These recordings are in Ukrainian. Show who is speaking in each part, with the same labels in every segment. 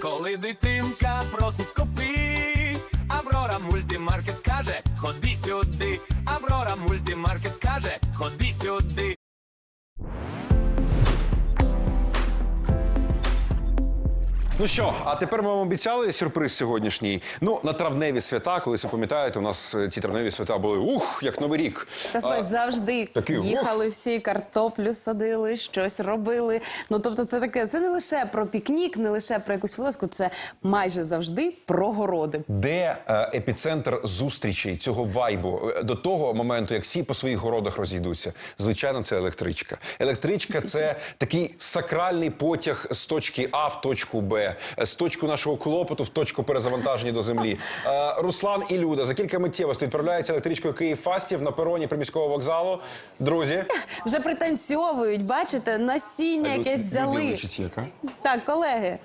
Speaker 1: Коли дитинка просить купи, Аврора Мультимаркет каже, ходи сюди. Аврора Мультимаркет каже, ходи сюди.
Speaker 2: Ну що, а тепер ми вам обіцяли сюрприз сьогоднішній. Ну, на травневі свята, колись ви пам'ятаєте, у нас ці травневі свята були, як Новий рік.
Speaker 3: Та слухай, завжди
Speaker 2: такі,
Speaker 3: їхали всі, картоплю садили, щось робили. Ну, тобто це таке, це не лише про пікнік, не лише про якусь вилазку, це майже завжди про городи.
Speaker 2: Де епіцентр зустрічей, цього вайбу, до того моменту, як всі по своїх городах розійдуться? Звичайно, це електричка. Електричка – це такий сакральний потяг з точки А в точку Б. З точку нашого клопоту в точку перезавантаження до землі. Руслан і Люда за кілька миттєвостей відправляються електричкою Київ-Фастів на пероні приміського вокзалу. Друзі.
Speaker 3: Вже пританцьовують, бачите, насіння якесь взяли. Так, колеги.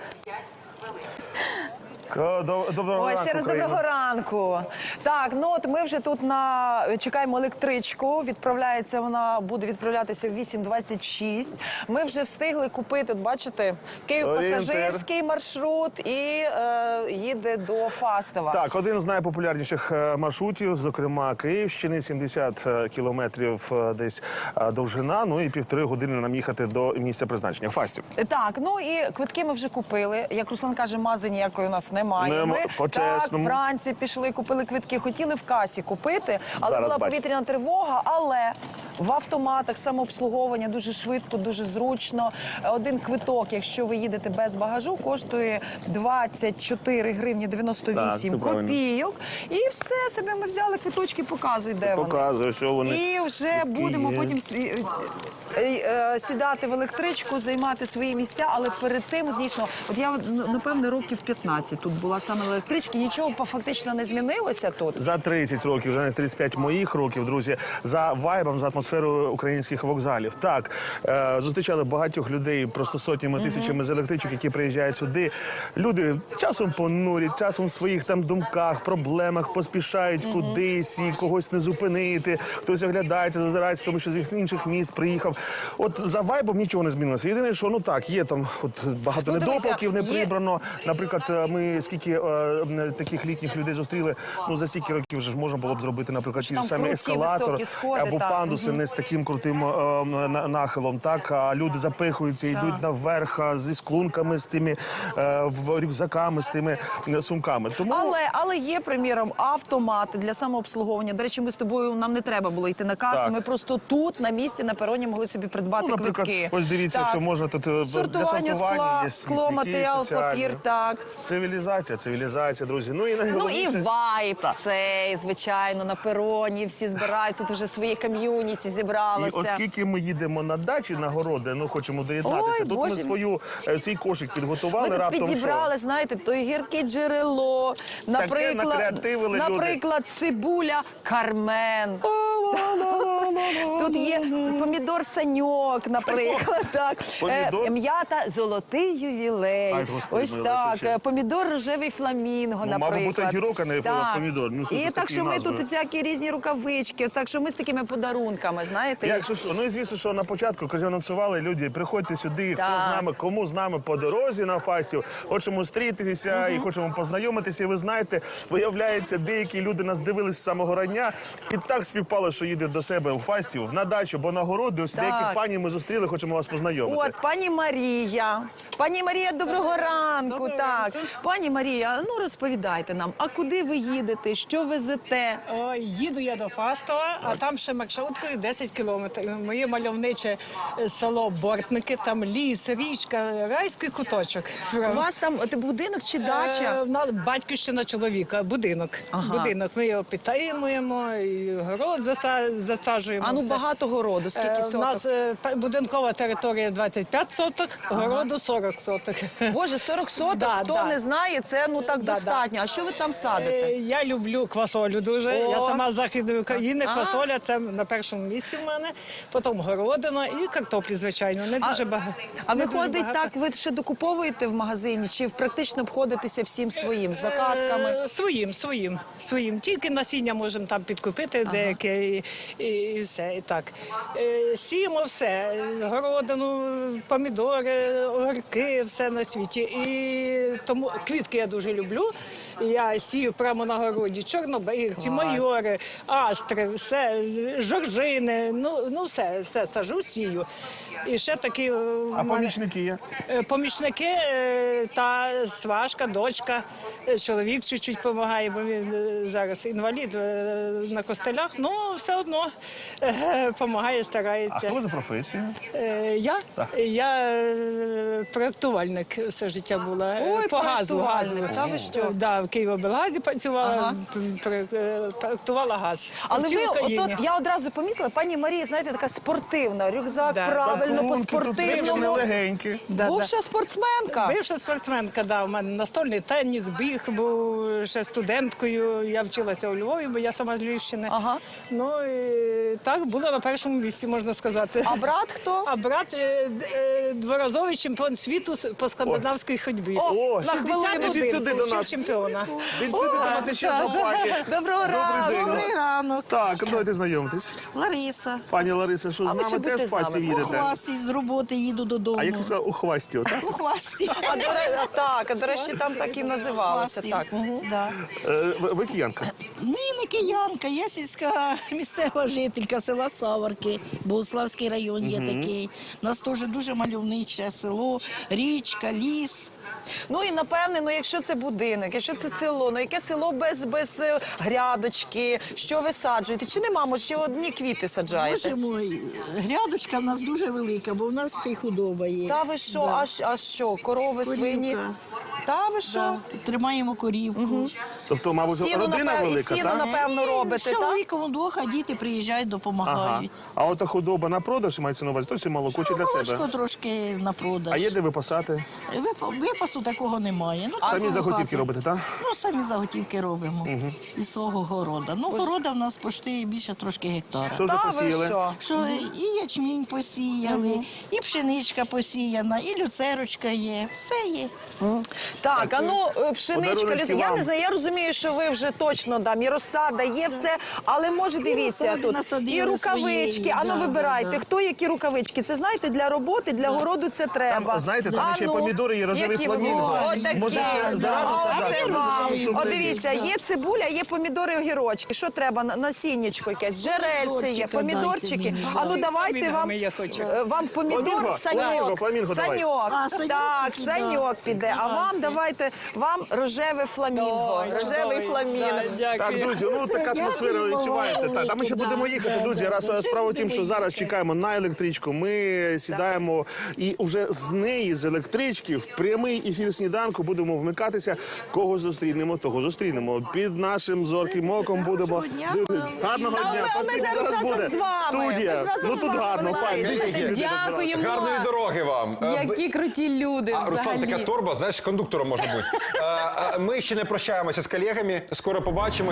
Speaker 4: Доброго ранку,
Speaker 5: ще раз доброго ранку. Так, ну от ми вже тут чекаємо електричку. Відправляється вона, буде відправлятися в 8:26. Ми вже встигли купити, от бачите, Київ-пасажирський маршрут і їде до Фастова.
Speaker 4: Так, один з найпопулярніших маршрутів, зокрема Київщини, 70 кілометрів десь довжина, ну і 1,5 години нам їхати до місця призначення, Фастів.
Speaker 5: Так, ну і квитки ми вже купили. Як Руслан каже, мази ніякої у нас немає. Ми так, вранці пішли, купили квитки, хотіли в касі купити, але
Speaker 4: зараз
Speaker 5: була
Speaker 4: бачите.
Speaker 5: повітряна тривога, але в автоматах самообслуговування дуже швидко, дуже зручно. Один квиток, якщо ви їдете без багажу, коштує 24 гривні 98 копійок. І все, собі ми взяли квиточки, показуй, де вони.
Speaker 4: Показую, що вони.
Speaker 5: І вже будемо потім сідати в електричку, займати свої місця, але перед тим, дійсно, от я, напевно, років 15 тут була саме в електричці, нічого фактично не змінилося тут.
Speaker 4: За 30 років, за 35 моїх років, друзі, за вайбом, за атмосферою українських вокзалів. Так, зустрічали багатьох людей, просто сотнями, тисячами з електричок, які приїжджають сюди. Люди часом понурі, часом в своїх там думках, проблемах, поспішають кудись і когось не зупинити. Хтось оглядається, зазирається, тому що з інших міст приїхав. От за вайбом нічого не змінилося. Єдине, що, ну так, є там от багато недопалків, не прибрано. Наприклад, ми скільки таких літніх людей зустріли, ну за стільки років вже ж можна було б зробити, наприклад, ті самі ескалатор або пандуси не з таким крутим нахилом, так, а люди запихуються, йдуть наверх зі склунками, з тими рюкзаками, з тими сумками. Тому...
Speaker 5: Але є, приміром, автомати для самообслуговування. До речі, ми з тобою, нам не треба було йти на касу,
Speaker 4: так.
Speaker 5: Ми просто тут, на місці, на пероні могли собі придбати
Speaker 4: наприклад,
Speaker 5: квитки.
Speaker 4: Ось дивіться, що можна тут для
Speaker 5: сортування скла, скло, матеріал, папір, так.
Speaker 4: Цивілізація, друзі. Ну і найголовніше...
Speaker 5: Ну і вайб цей, звичайно, на пероні всі збирають, тут вже своє ком'юніті зібралося.
Speaker 4: І оскільки ми їдемо на дачі, на городи, ну хочемо доєднатися, тут ми свій кошик підготували.
Speaker 5: Ми тут підібрали, знаєте, то гірке джерело, наприклад, цибуля Кармен. Тут є помідор Саньок, наприклад, так. М'ята Золотий ювілей. Ось так. Помідор Рожевий фламінго, наприклад.
Speaker 4: Мав бути гірок, а не помідор.
Speaker 5: І так, що ми тут всякі різні рукавички, так що ми з такими подарунками, знаєте.
Speaker 4: Як що? Ну і звісно, що на початку, коли анонсували люди, приходьте сюди, хто з нами, кому з нами по дорозі на Фастів, хочемо зустрітися і хочемо познайомитися. І ви знаєте, виявляється, деякі люди нас дивилися з самого рання і так співпало, що їде до себе у Фастів на дачу, бо на городи, ось деяких пані ми зустріли, хочемо вас познайомити.
Speaker 5: От, пані Марія. Пані Марія, доброго ранку. Так. Пані Марія, ну розповідайте нам, а куди ви їдете, що везете?
Speaker 6: Їду я до Фастова, а там ще маршруткою 10 кілометрів. Моє мальовниче село Бортники, там ліс, річка, райський куточок.
Speaker 5: У вас там будинок чи дача?
Speaker 6: Батьківщина чоловіка, будинок. Будинок. Ми його підтримуємо, і город засаджуємо.
Speaker 5: А ну багато городу, скільки соток?
Speaker 6: У нас будинкова територія 25 соток, городу 40 соток.
Speaker 5: Боже, 40 соток, хто не знає, це ну так достатньо. А що ви там садите?
Speaker 6: Я люблю квасолю дуже. Я сама з Західної України. Квасоля – це на першому місці в мене. Потім городина і картоплі, звичайно. Не дуже багато.
Speaker 5: А виходить так, ви ще докуповуєте в магазині? Чи практично обходитеся всім своїм, з закатками?
Speaker 6: Своїм. Тільки насіння можемо там підкупити деяке. І і все. І так. Сіємо все. Городину, помідори, огірки, все на світі. І тому квітки я дуже люблю. Я сію прямо на городі. Чорнобривці, майори, астри, все, жоржини. Ну все сажу, сію. І ще такі
Speaker 4: А
Speaker 6: в мене-
Speaker 4: помічники є?
Speaker 6: Помічники та сважка, дочка, чоловік чуть-чуть допомагає, бо він зараз інвалід на костелях, ну все одно допомагає,
Speaker 4: А
Speaker 6: старається.
Speaker 4: хто ви за професією?
Speaker 6: Я проєктувальник все життя була.
Speaker 5: Ой,
Speaker 6: По газу.
Speaker 5: проєктувальник, та ви що?
Speaker 6: Да, в Києвоблгазі працювала,
Speaker 5: Ага.
Speaker 6: проєктувала газ.
Speaker 5: Але
Speaker 6: Всій
Speaker 5: ви,
Speaker 6: Україні.
Speaker 5: отут, я одразу помітила, пані Марія, знаєте, така спортивна, рюкзак
Speaker 6: Да.
Speaker 5: правильно, по
Speaker 4: Пакунки тут всі
Speaker 5: спортивному.
Speaker 4: легенькі.
Speaker 5: Бувша спортсменка.
Speaker 6: Бивша спортсменка, да, у мене настольний теніс, біг, був ще студенткою. Я вчилася у Львові, бо я сама з Львівщини.
Speaker 5: Ага.
Speaker 6: Ну і так була на першому місці, можна сказати.
Speaker 5: А брат хто?
Speaker 6: А брат дворазовий чемпіон світу по скандинавській ходьбі.
Speaker 4: О,
Speaker 6: на хвилину
Speaker 4: ідіть сюди до нас.
Speaker 6: чемпіона.
Speaker 4: Він сюди до нас ще до пані.
Speaker 5: Доброго ранку.
Speaker 4: день.
Speaker 7: Добрий ранок,
Speaker 4: Так, давайте знайомитись.
Speaker 7: Лариса.
Speaker 4: Пані Лариса, що
Speaker 5: А
Speaker 4: з
Speaker 5: ви ще
Speaker 4: нами
Speaker 5: будьте
Speaker 4: теж
Speaker 5: з нами.
Speaker 4: фасів
Speaker 7: У
Speaker 4: їдете?
Speaker 7: хвасті з роботи їду додому.
Speaker 4: А як ви сказали, у хвасті, отак?
Speaker 7: У хвасті.
Speaker 5: А до речі, там так і називалося.
Speaker 7: Хвасті.
Speaker 5: Так. Мгм.
Speaker 7: Да.
Speaker 4: Ви киянка?
Speaker 7: Ні, не киянка, я сільська місцева жителька села Саварки, Богуславський район є такий. У нас теж дуже мальовниче село, річка, ліс.
Speaker 5: Ну і напевне, ну якщо це будинок, якщо це село, ну яке село без грядочки, що ви саджуєте? Чи нема, може, ще одні квіти саджаєте?
Speaker 7: Боже мой, грядочка в нас дуже велика, бо в нас ще й худоба є.
Speaker 5: Та ви що,
Speaker 7: Да.
Speaker 5: а що, корови,
Speaker 7: Корівка.
Speaker 5: свині? Та ви що?
Speaker 7: Да. Тримаємо корівку.
Speaker 4: Тобто, мабуть,
Speaker 5: Сіно,
Speaker 4: родина
Speaker 5: напевно,
Speaker 4: велика,
Speaker 5: сіно,
Speaker 4: так?
Speaker 5: напевно, робите,
Speaker 7: З
Speaker 5: так?
Speaker 7: чоловіком удвох, а діти приїжджають,
Speaker 4: Ага.
Speaker 7: допомагають.
Speaker 4: А от худоба на продаж мається на увазі, то це молоко чи для
Speaker 7: Молочко
Speaker 4: себе?
Speaker 7: трошки на продаж.
Speaker 4: А є де випасати?
Speaker 7: Випасу такого немає. Ну,
Speaker 4: Самі
Speaker 7: свого
Speaker 4: заготівки
Speaker 7: хати.
Speaker 4: робите, так?
Speaker 7: Ну, самі заготівки робимо із свого города. Ну, города в нас почти більше трошки гектара.
Speaker 4: Що вже
Speaker 5: Та ви
Speaker 4: посіяли?
Speaker 5: що?
Speaker 7: Що і ячмінь посіяли, і пшеничка посіяна, і люцерочка є, все є.
Speaker 5: Так, а ну пшеничка,
Speaker 4: Подаруночки
Speaker 5: я
Speaker 4: вам.
Speaker 5: не знаю, я розумію, що ви вже точно там і розсада, є все, але може дивіться
Speaker 7: розсади
Speaker 5: тут
Speaker 7: насадили
Speaker 5: і рукавички.
Speaker 7: своєї,
Speaker 5: А ну
Speaker 7: да,
Speaker 5: вибирайте,
Speaker 7: да.
Speaker 5: хто які рукавички. Це знаєте, для роботи, для городу це треба.
Speaker 4: Там, знаєте, там
Speaker 5: А
Speaker 4: ще
Speaker 5: ну,
Speaker 4: помідори і рожевий
Speaker 5: які ви-
Speaker 4: фламінго.
Speaker 5: О, такі,
Speaker 4: Може,
Speaker 5: да.
Speaker 4: зразу
Speaker 5: О,
Speaker 4: саджати,
Speaker 5: це
Speaker 4: може,
Speaker 5: вам.
Speaker 4: наступний
Speaker 5: От
Speaker 4: рік.
Speaker 5: дивіться, є цибуля, є помідори, огірочки. Що треба? Насіннячко якесь, джерельце є,
Speaker 7: Помідорчика
Speaker 5: помідорчики.
Speaker 7: дайте мені,
Speaker 5: А ну давайте вам,
Speaker 6: Фламінго я хочу.
Speaker 5: вам помідор,
Speaker 4: Фламінго,
Speaker 5: саньок.
Speaker 4: фламінго давай.
Speaker 5: Саньок.
Speaker 7: А, саньок
Speaker 5: Так,
Speaker 7: піде,
Speaker 5: саньок
Speaker 7: да.
Speaker 5: піде. А вам давайте, вам рожеве фламінго.
Speaker 6: Ой,
Speaker 5: Рожевий
Speaker 6: чудовий.
Speaker 5: фламінго.
Speaker 6: Да, дякую.
Speaker 4: Так, друзі, ну така атмосфера
Speaker 7: Дякую,
Speaker 4: відчуваєте.
Speaker 7: велике,
Speaker 4: Так, а ми ще
Speaker 7: да.
Speaker 4: будемо їхати, друзі. Раз справа в тім, що зараз чекаємо на електричку. Ми сідаємо і вже з неї, з електрички, в прямий ефір сніданку будемо вмикатися. Кого зустрінемо, того зустрінемо. Під нашим зорким оком будемо.
Speaker 7: дня
Speaker 4: Гарного
Speaker 5: А
Speaker 4: дня.
Speaker 5: ми
Speaker 4: Спасибі,
Speaker 5: зараз
Speaker 4: зараз
Speaker 5: разом
Speaker 4: буде
Speaker 5: з вами.
Speaker 4: студія.
Speaker 5: Ми ж разом
Speaker 4: Ну
Speaker 5: з
Speaker 4: тут
Speaker 5: вами
Speaker 4: гарно, файно.
Speaker 5: виходимо.
Speaker 4: Дивіться, які люди
Speaker 3: Дякуємо.
Speaker 2: Гарної дороги вам.
Speaker 3: Які круті люди
Speaker 2: А, Руслан,
Speaker 3: взагалі.
Speaker 2: така торба, знаєш, кондуктором може бути. Ми ще не прощаємося з колегами, скоро побачимось.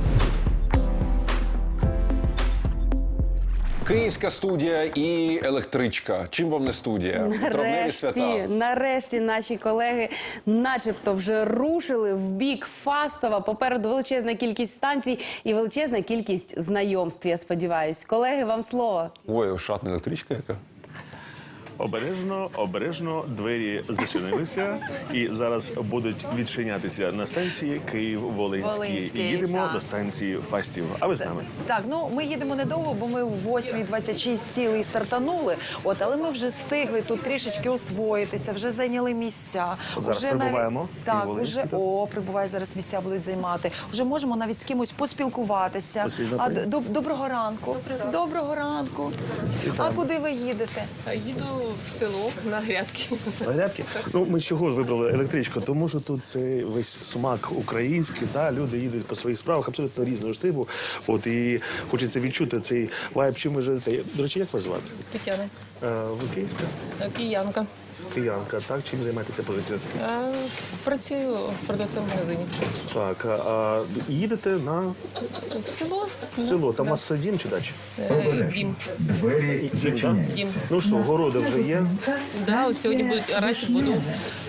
Speaker 2: Київська студія і електричка. Чим вам не студія? Травневі свята.
Speaker 3: Нарешті наші колеги начебто вже рушили в бік Фастова. Попереду величезна кількість станцій і величезна кількість знайомств, я сподіваюсь. Колеги, вам слово.
Speaker 2: Ой, шатна електричка яка.
Speaker 4: Обережно, обережно двері зачинилися і зараз будуть відчинятися на станції Київ-Волинський.
Speaker 5: Волинський,
Speaker 4: Їдемо
Speaker 5: так.
Speaker 4: до станції Фастів. А ви з нами?
Speaker 5: Так, ну ми їдемо недовго, бо ми в 8:26 сіли і стартанули. От, але ми вже встигли тут трішечки освоїтися, вже зайняли місця.
Speaker 4: От зараз
Speaker 5: Уже навіть-
Speaker 4: прибуваємо,
Speaker 5: Так,
Speaker 4: Київ-Волинський,
Speaker 5: уже
Speaker 4: так?
Speaker 5: прибуває зараз місця будуть займати. Вже можемо навіть з кимось поспілкуватися.
Speaker 4: Спасибо,
Speaker 5: А
Speaker 4: пані.
Speaker 5: доброго ранку. Доброго ранку. А куди ви їдете?
Speaker 8: Їду в село на грядки.
Speaker 4: Грядки? Ну, ми чого ж вибрали електричку? Тому що тут це весь смак український, да? Люди їдуть по своїх справах абсолютно різного ж типу. От, і хочеться відчути цей вайб, чим ви живете. До речі, як вас звати?
Speaker 8: Тетяна,
Speaker 4: Ви київська?
Speaker 8: киянка.
Speaker 4: Киянка, так? Чим займаєтеся по життю?
Speaker 8: Працюю продавцем в магазині.
Speaker 4: Так, а їдете на
Speaker 8: В село.
Speaker 4: село, там у вас дім чи дача?
Speaker 8: Дім.
Speaker 4: Дім, так?
Speaker 8: Дім.
Speaker 4: Ну що, городи вже є?
Speaker 8: Да, от сьогодні будуть орати, буду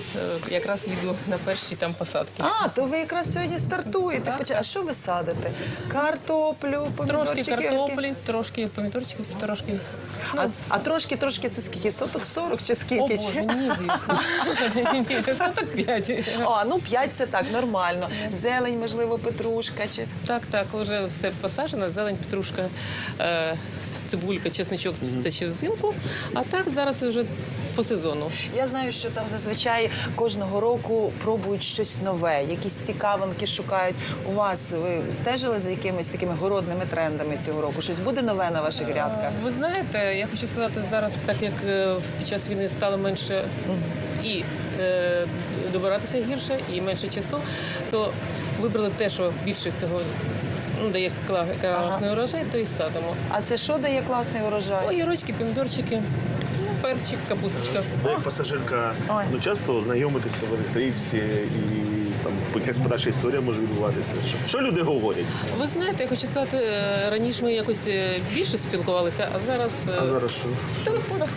Speaker 8: якраз їду на перші там посадки.
Speaker 5: А, то ви якраз сьогодні стартуєте. А що ви садите? Картоплю, помідорчики?
Speaker 8: Трошки картоплі, трошки помідорчиків, трошки.
Speaker 5: А трошки це скільки? Соток 40 чи
Speaker 8: О,
Speaker 5: скільки?
Speaker 8: Боже, ні, звісно. Ні, це соток 5.
Speaker 5: А, ну 5 це так, нормально. Зелень, можливо, петрушка чи...
Speaker 8: Так, вже все посаджено, зелень, петрушка, цибулька, чесничок, це ще взимку. А так зараз вже по сезону.
Speaker 5: Я знаю, що там зазвичай кожного року пробують щось нове, якісь цікавинки шукають. У вас ви стежили за якимись такими городними трендами цього року? Щось буде нове на ваших грядках?
Speaker 8: Ви знаєте, я хочу сказати, зараз, так як під час війни стало менше і добиратися гірше, і менше часу, то вибрали те, що більше всього дає класний урожай, то і садимо.
Speaker 5: А це що дає класний урожай?
Speaker 8: Огірочки, помідорчики, перчик, капусточка.
Speaker 4: Ви як пасажирка,
Speaker 5: Ой.
Speaker 4: часто знайомитеся в електричці і там якась подальша історія може відбуватися. Що люди говорять?
Speaker 8: Ви знаєте, я хочу сказати, раніше ми якось більше спілкувалися, а зараз
Speaker 4: А зараз що?
Speaker 8: в телефонах.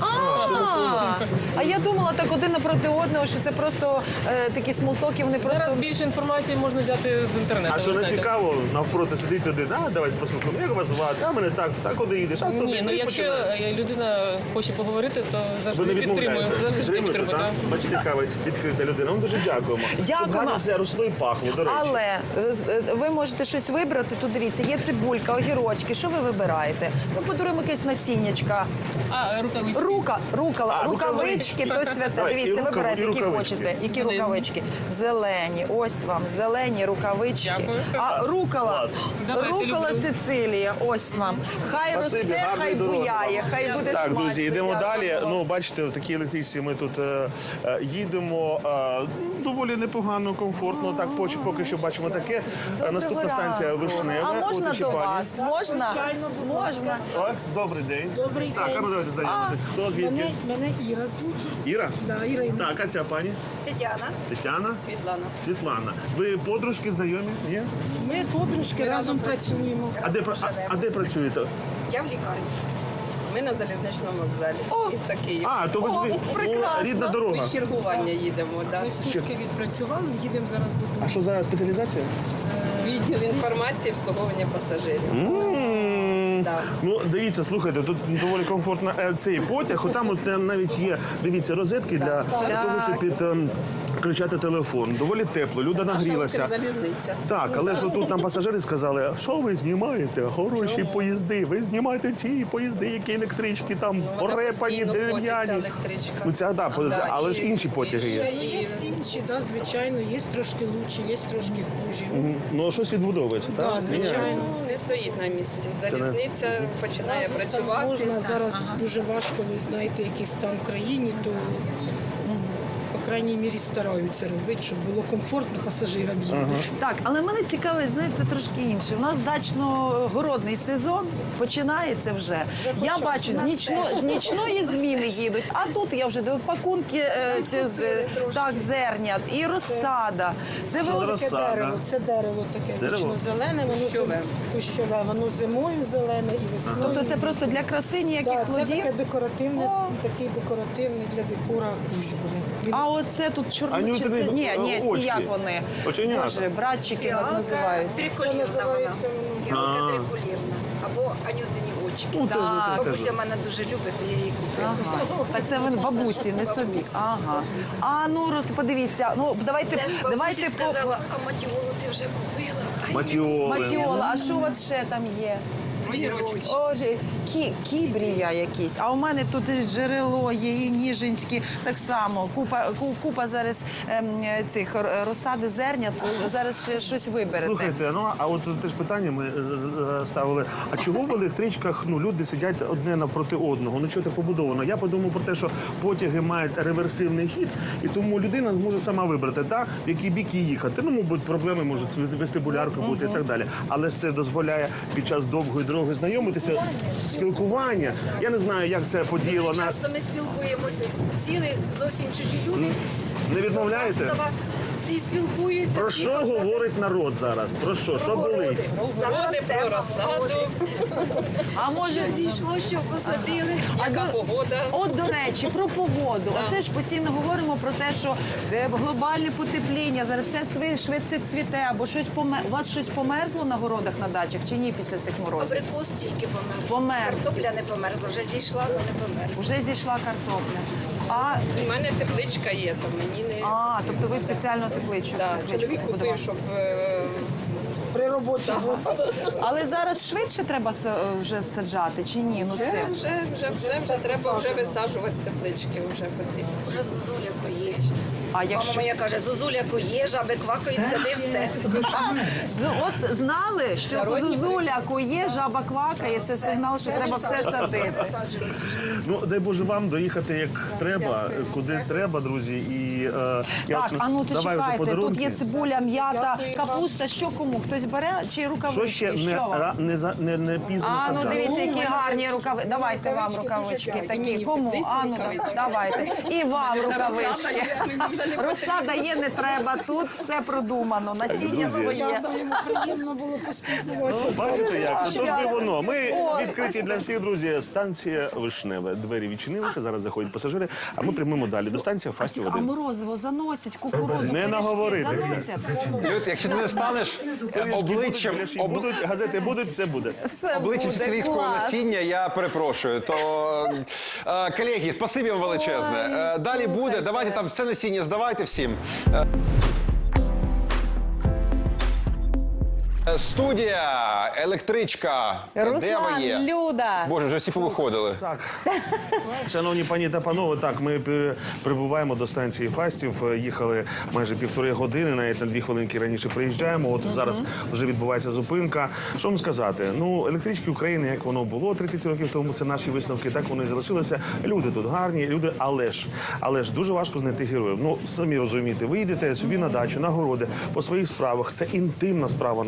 Speaker 5: А я думала так один напроти одного, що це просто такі смолтоки, вони просто...
Speaker 8: Зараз більше інформації можна взяти з інтернету.
Speaker 4: А
Speaker 8: ви
Speaker 4: що не
Speaker 8: знаєте.
Speaker 4: цікаво, навпроти сидить людина, давайте послухаємо, як вас звати, а мене так, куди їдеш, а туди.
Speaker 8: Ні, ну
Speaker 4: і
Speaker 8: якщо
Speaker 4: починаєш.
Speaker 8: людина хоче поговорити, то
Speaker 4: Ви
Speaker 8: завжди
Speaker 4: не
Speaker 8: підтримую.
Speaker 4: відмовляєте?
Speaker 8: Завжди підтримую,
Speaker 4: так?
Speaker 8: так.
Speaker 4: Бачите, яка ви відкрита людина. Вам дуже дякуємо.
Speaker 5: Дякуємо.
Speaker 4: Щоб гарно все росло і пахло, до речі.
Speaker 5: Але ви можете щось вибрати. Тут дивіться, є цибулька, огірочки. Що ви вибираєте? Ми подаруємо якесь насіннячка.
Speaker 8: А, рукавички.
Speaker 5: Рукавички, то святе.
Speaker 4: Давай,
Speaker 5: Дивіться,
Speaker 4: і
Speaker 5: вибирайте, які
Speaker 4: рукавички.
Speaker 5: хочете. Які
Speaker 8: Зелені.
Speaker 5: рукавички? Зелені. Ось вам, зелені рукавички.
Speaker 8: Дякую.
Speaker 5: А рукола,
Speaker 4: Клас.
Speaker 8: Давайте,
Speaker 5: рукола
Speaker 8: люблю.
Speaker 5: Сицилія. Ось вам. Хай
Speaker 4: Спасибі,
Speaker 5: росте,
Speaker 4: гарної
Speaker 5: хай
Speaker 4: дороги
Speaker 5: буяє,
Speaker 4: вам.
Speaker 5: хай буде
Speaker 4: Так,
Speaker 5: смачно.
Speaker 4: друзі, йдемо далі.
Speaker 5: Дякую.
Speaker 4: Ну, бачите, в такій електричці ми тут їдемо доволі непогано, комфортно. Так, поки що бачимо таке. Наступна станція Вишнева.
Speaker 5: А можна
Speaker 4: От і
Speaker 5: до
Speaker 4: ще пані.
Speaker 5: вас? Можна? Можна.
Speaker 4: О, добрий день.
Speaker 9: Добрий
Speaker 4: Так,
Speaker 9: день.
Speaker 4: а ну давайте знайомитись. Хто звідки?
Speaker 9: Мене Іра звуть.
Speaker 4: Іра?
Speaker 9: Да, Ірина.
Speaker 4: Так, а ця пані?
Speaker 10: Тетяна,
Speaker 4: Тетяна?
Speaker 10: Світлана.
Speaker 4: Світлана. Ви подружки знайомі? Ні?
Speaker 9: Ми подружки разом працюємо.
Speaker 4: А де працюєте?
Speaker 10: Я в лікарні. Ми на залізничному вокзалі. Міста Київ.
Speaker 4: А, то ви
Speaker 5: прекрасно.
Speaker 4: рідна дорога.
Speaker 10: Ми з чергування їдемо. Да.
Speaker 9: Ми сутки відпрацювали, їдемо зараз додому.
Speaker 4: А що за спеціалізація?
Speaker 10: Відділ інформації і обслуговування пасажирів. Да.
Speaker 4: Ну, дивіться, слухайте, тут доволі комфортно цей потяг. Там от навіть є, дивіться, розетки для того, щоб підключати телефон. Доволі тепло, люди нагрілися.
Speaker 10: Залізниця.
Speaker 4: Так, але ж тут нам пасажири сказали, що ви знімаєте? Хороші поїзди. Ви знімаєте ті поїзди, які електрички, там порепані,
Speaker 10: постійно ходить ця
Speaker 4: дерев'яні.
Speaker 10: електричка.
Speaker 4: Ну, ця, да, але ж
Speaker 10: і-
Speaker 4: інші потяги є.
Speaker 9: Є інші, да, звичайно, є трошки лучші, є трошки хужі.
Speaker 4: Ну, щось відбудовується, так?
Speaker 9: Да, звичайно.
Speaker 10: Ну, не стоїть на місці. Залізниця починає працювати.
Speaker 9: Можна зараз дуже важко, ви знаєте, який стан в країні, то по крайній мірі стараються робити, щоб було комфортно пасажирам їздити.
Speaker 5: Так, але мене цікавить, знаєте, трошки інше. У нас дачно-городний сезон починається вже. Я бачу, з нічної зміни їдуть, а тут я вже дивлю пакунки зернят і розсада. Це ви
Speaker 4: Розсада.
Speaker 9: Це дерево таке
Speaker 4: Дерево?
Speaker 9: вічно-зелене, воно кущове, воно зимою зелене і весною.
Speaker 5: Тобто це просто для краси ніяких
Speaker 9: Так, це
Speaker 5: плодів?
Speaker 9: таке декоративне,
Speaker 5: О.
Speaker 9: такий декоративний для декора кущ буде.
Speaker 5: А оце тут чорночі.
Speaker 4: Анютини
Speaker 5: Ні, ці
Speaker 4: очки.
Speaker 5: як вони?
Speaker 4: Оченята.
Speaker 5: Боже, братчики у нас називаються.
Speaker 9: Це
Speaker 10: Триколірна вона.
Speaker 9: називається воно.
Speaker 10: Гілка триколірна. Або анютині очки.
Speaker 4: Ну, це ж
Speaker 5: Так.
Speaker 4: таке.
Speaker 10: Бабуся мене дуже любить, то я її купила.
Speaker 5: Ага. Так це ви бабусі, не собі. Ага. А ну подивіться. Ну давайте
Speaker 10: Теж бабусі
Speaker 5: по
Speaker 10: сказала, а матіолу ти вже купила? А
Speaker 4: Матіоли.
Speaker 5: Матіола. А що у вас ще там є?
Speaker 10: огірочки.
Speaker 5: Отже, кібрія якісь. А у мене тут і джерело є, і ніжинські. Так само. Купа зараз цих розсади зернят. Зараз ще щось виберете.
Speaker 4: Слухайте, ну а от теж питання ми ставили. А чого в електричках люди сидять одне навпроти одного? Ну що це побудовано? Я подумав про те, що потяги мають реверсивний хід, і тому людина може сама вибрати, так, в який бік їй їхати. Ну, мабуть, проблеми можуть з вестибуляркою бути і так далі. Але це дозволяє під час довгої дороги знайомитися, спілкування. Я не знаю, як це подіяло на
Speaker 10: Часто ми спілкуємося, сіли зовсім чужі люди.
Speaker 4: Не відмовляєте?
Speaker 11: Всі спілкуються.
Speaker 4: Про що говорить народ зараз? Про що? Що болить?
Speaker 10: Городи, про розсаду,
Speaker 5: А може
Speaker 11: Зійшло, що посадили.
Speaker 10: яка погода.
Speaker 5: От, до речі, про погоду. Оце ж постійно говоримо про те, що глобальне потепління, зараз все швидше цвіте, або щось у вас щось померзло на городах, на дачах, чи ні після цих морозів?
Speaker 11: Абрикос тільки померз.
Speaker 5: Померз.
Speaker 11: Картопля не померзла, вже зійшла, але не померзла.
Speaker 5: Вже зійшла картопля. А,
Speaker 10: У мене тепличка є, то мені не...
Speaker 5: тобто ви спеціально тепличку
Speaker 10: Чоловік
Speaker 5: будували.
Speaker 10: купив, щоб...
Speaker 9: При роботі було.
Speaker 5: Але зараз швидше треба вже саджати, чи ні? Ну,
Speaker 10: Вже треба вже висаджувати з теплички, вже потрібно.
Speaker 11: Вже зозуля коє.
Speaker 5: А
Speaker 11: Мама
Speaker 5: якщо...
Speaker 11: моя каже, зозуля коє, жаби квакають, сади все.
Speaker 5: От знали, що
Speaker 10: Народні
Speaker 5: зозуля кує, жаба квакає, це сигнал, що треба все садити.
Speaker 4: Ну, дай Боже вам доїхати як треба, куди треба, друзі. І,
Speaker 5: Так, а ну ти
Speaker 4: давай вже
Speaker 5: чекайте, тут
Speaker 4: подарунки.
Speaker 5: є цибуля, м'ята, капуста, що кому? Хтось бере чи
Speaker 4: Що
Speaker 5: рукавички?
Speaker 4: ще
Speaker 5: Що вам?
Speaker 4: не пізно
Speaker 5: А, ну
Speaker 4: саджати?
Speaker 5: дивіться, які гарні рукавички. Давайте вам рукавички такі. Кому? А, ну давайте. І вам рукавички. Розсада є, не треба. Тут все продумано. Насіння
Speaker 4: Друзі.
Speaker 5: своє.
Speaker 9: Приємно було поспілкуватися.
Speaker 4: Ну, бачите як? Тож
Speaker 5: Що?
Speaker 4: би воно. Ми відкриті для всіх, друзі. Станція Вишневе. Двері відчинилися, зараз заходять пасажири, а ми прямуємо далі. До станції Фастів
Speaker 5: А
Speaker 4: 1.
Speaker 5: морозиво заносять, кукурудзу,
Speaker 4: Не
Speaker 5: пиріжки
Speaker 4: наговоритися.
Speaker 5: заносять.
Speaker 2: Люд, якщо ти не станеш обличчям,
Speaker 4: Будуть, газети будуть, все буде.
Speaker 5: Все
Speaker 2: обличчям
Speaker 5: буде,
Speaker 2: сицилійського
Speaker 5: клас.
Speaker 2: насіння, я перепрошую. То, колеги, спасибі вам величезне. Далі буде, давайте там все насіння здавайте всім. Студія, електричка. Де ви
Speaker 3: Руслан,
Speaker 2: є?
Speaker 3: Люда.
Speaker 2: Боже, вже всі повиходили.
Speaker 4: Так, шановні пані та панове, так, ми прибуваємо до станції Фастів. Їхали майже 1,5 години, навіть на 2 хвилинки раніше приїжджаємо. От зараз вже відбувається зупинка. Що вам сказати? Ну, електрички України, як воно було 30 років тому, це наші висновки, так вони і залишилися. Люди тут гарні, люди, але ж дуже важко знайти героїв. Ну, самі розумієте, ви йдете собі на дачу, на городи, по своїх справах. Це інтимна справа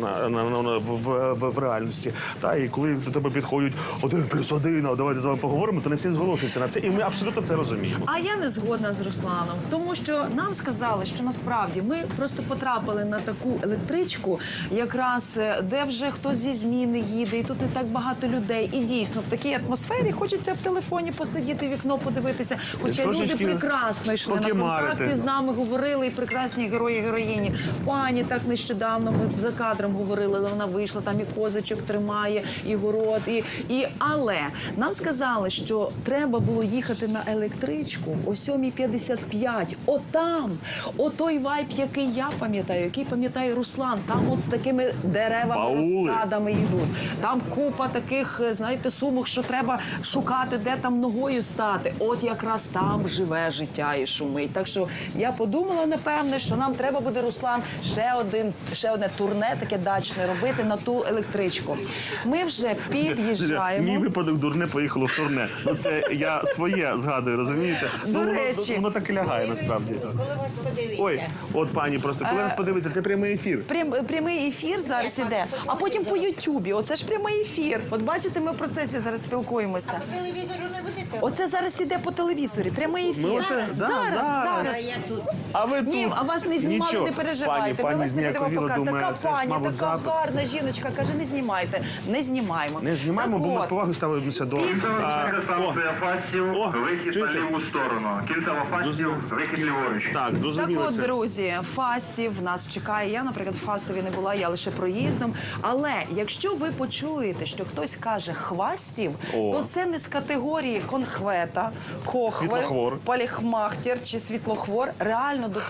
Speaker 4: в реальності. Та, і коли до тебе підходять 1+1, а давайте з вами поговоримо, то не всі зголошуються на це. І ми абсолютно це розуміємо.
Speaker 5: А я не згодна з Русланом, тому що нам сказали, що насправді ми просто потрапили на таку електричку, якраз де вже хтось зі зміни їде, і тут не так багато людей. І дійсно в такій атмосфері хочеться в телефоні посидіти, вікно подивитися. Хоча люди
Speaker 4: Трошечки
Speaker 5: прекрасно йшли на
Speaker 4: покемарити.
Speaker 5: контакти, з нами говорили, і прекрасні герої, героїні. Пані так нещодавно ми за кадром говорили, але вона вийшла, там і козочок тримає, і город, але нам сказали, що треба було їхати на електричку о 7:55. Отам, той вайб, який я пам'ятаю, який пам'ятає Руслан, там от з такими деревами,
Speaker 4: Баули.
Speaker 5: розсадами йдуть. Там купа таких, знаєте, сумок, що треба шукати, де там ногою стати. От якраз там живе життя і шумить. Так що я подумала, напевне, що нам треба буде, Руслан, ще одне турне таке дачне робити на ту електричку. Ми вже
Speaker 4: Мій
Speaker 5: під'їжджаємо.
Speaker 4: випадок дурне поїхало в турне. Ну це я своє згадую, розумієте?
Speaker 5: До
Speaker 4: Ну,
Speaker 5: речі.
Speaker 4: воно так і лягає насправді.
Speaker 7: Коли вас подивіться.
Speaker 4: Ой, от пані, просто коли нас подивиться, це прямий ефір.
Speaker 5: Прямий ефір зараз іде, а потім по Ютубі. Оце ж прямий ефір. От бачите, ми в процесі зараз спілкуємося.
Speaker 7: Телевізору не будете?
Speaker 5: Оце зараз іде по телевізорі. Прямий ефір.
Speaker 4: Ми оце-
Speaker 5: зараз.
Speaker 7: Я тут.
Speaker 4: А ви тут?
Speaker 5: Ні, а вас не знімали,
Speaker 4: Нічого.
Speaker 5: не переживайте. Ми
Speaker 4: Пані
Speaker 5: вас не будемо
Speaker 4: зніяковіла,
Speaker 5: показувати.
Speaker 4: думає,
Speaker 5: Така
Speaker 4: це ж,
Speaker 5: пані,
Speaker 4: мабуть,
Speaker 5: така
Speaker 4: запис.
Speaker 5: гарна жіночка. Каже, не знімайте. Не знімаємо.
Speaker 4: Не знімаємо,
Speaker 5: Так
Speaker 4: бо ми
Speaker 5: от,
Speaker 4: з повагою ставимося до...
Speaker 12: Кінцева станція Фастів,
Speaker 4: О,
Speaker 12: вихід
Speaker 4: чуєте?
Speaker 12: на ліву сторону. Кінцева Фастів, вихід ліворуч.
Speaker 4: Так,
Speaker 5: Так
Speaker 4: зрозуміло
Speaker 5: от,
Speaker 4: це.
Speaker 5: друзі, Фастів нас чекає. Я, наприклад, в Фастові не була, я лише проїздом. Але якщо ви почуєте, що хтось каже «хвастів»,
Speaker 4: О.
Speaker 5: то це не з категорії конхвета, кохве,
Speaker 4: Світлохвор.
Speaker 5: поліхмахтер чи світлохвор. Реально до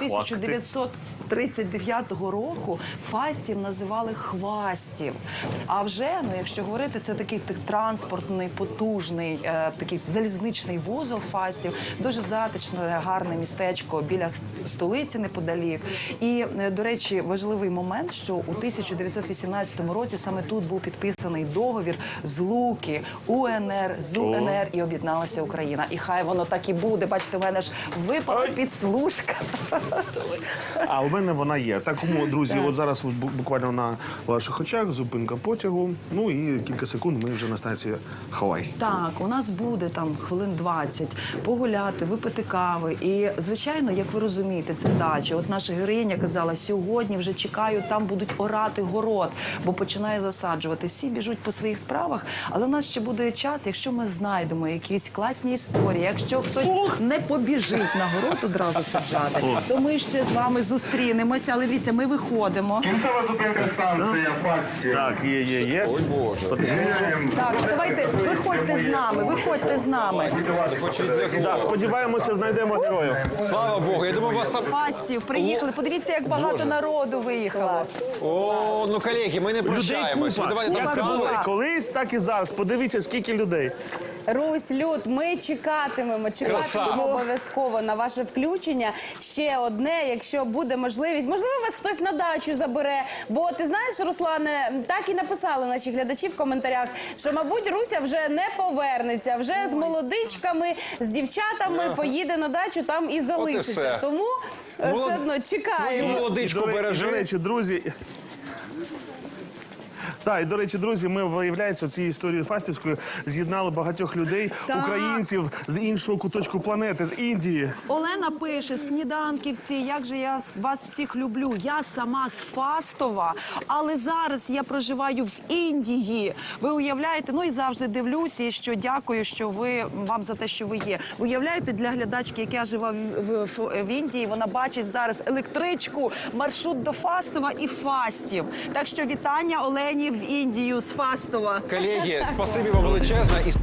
Speaker 5: 1939 року Фастів називали хвастів. А вже, якщо говорити, це такий транспортний, потужний, такий залізничний вузол Фастів. Дуже затишне, гарне містечко біля столиці неподалік. І, до речі, важливий момент, що у 1918 році саме тут був підписаний договір злуки УНР з УНР і об'єдналася Україна. І хай воно так і буде. Бачите, у мене ж випала підслужка.
Speaker 4: А у Буковини вона є. Так, тому, друзі, от зараз от буквально на ваших очах зупинка потягу. Ну і кілька секунд ми вже на станції Хавайськ.
Speaker 5: Так, у нас буде там хвилин 20 погуляти, випити кави. І, звичайно, як ви розумієте, це дача. От наша героїня казала, сьогодні вже чекаю, там будуть орати город, бо починає засаджувати. Всі біжуть по своїх справах, але у нас ще буде час, якщо ми знайдемо якісь класні історії, якщо хтось не побіжить на город одразу саджати, то ми ще з вами зустрінемося. Але дивіться, ми виходимо.
Speaker 12: Кінцева зупинка станція Фастів.
Speaker 4: Так, є.
Speaker 2: Ой, Боже.
Speaker 5: Так, давайте, виходьте з нами, виходьте з нами.
Speaker 4: Да, сподіваємося, знайдемо героїв.
Speaker 2: Слава Богу, я думаю, вас там...
Speaker 5: Фастів, приїхали. Подивіться, як багато народу виїхало.
Speaker 2: О, ну, колеги, ми не прощаємось.
Speaker 4: Людей
Speaker 2: Давайте
Speaker 4: купа.
Speaker 2: там
Speaker 4: Як це було
Speaker 5: кава.
Speaker 4: колись, так і зараз. Подивіться, скільки людей.
Speaker 3: Русь, Люд, ми чекатимемо обов'язково на ваше включення. Ще одне, якщо буде можливість. Можливо, вас хтось на дачу забере. Бо ти знаєш, Руслане, так і написали наші глядачі в коментарях, що, мабуть, Руся вже не повернеться. Вже з молодичками, з дівчатами поїде на дачу, там і залишиться.
Speaker 2: все.
Speaker 3: Тому все одно чекаємо.
Speaker 2: Молодичку
Speaker 4: До
Speaker 2: бережи.
Speaker 4: речі, друзі. Так, і, до речі, друзі, ми, виявляється, цією історією фастівською з'єднали багатьох людей, українців з іншого куточку планети, з Індії.
Speaker 5: Олена пише, сніданківці, як же я вас всіх люблю. Я сама з Фастова, але зараз я проживаю в Індії. Ви уявляєте, ну і завжди дивлюся, і що дякую, що вам за те, що ви є. Ви уявляєте, для глядачки, яка живе в Індії, вона бачить зараз електричку, маршрут до Фастова і Фастів. Так що вітання Олені в Індію з Фастова.
Speaker 2: Колеги, спасибі вам величезне. І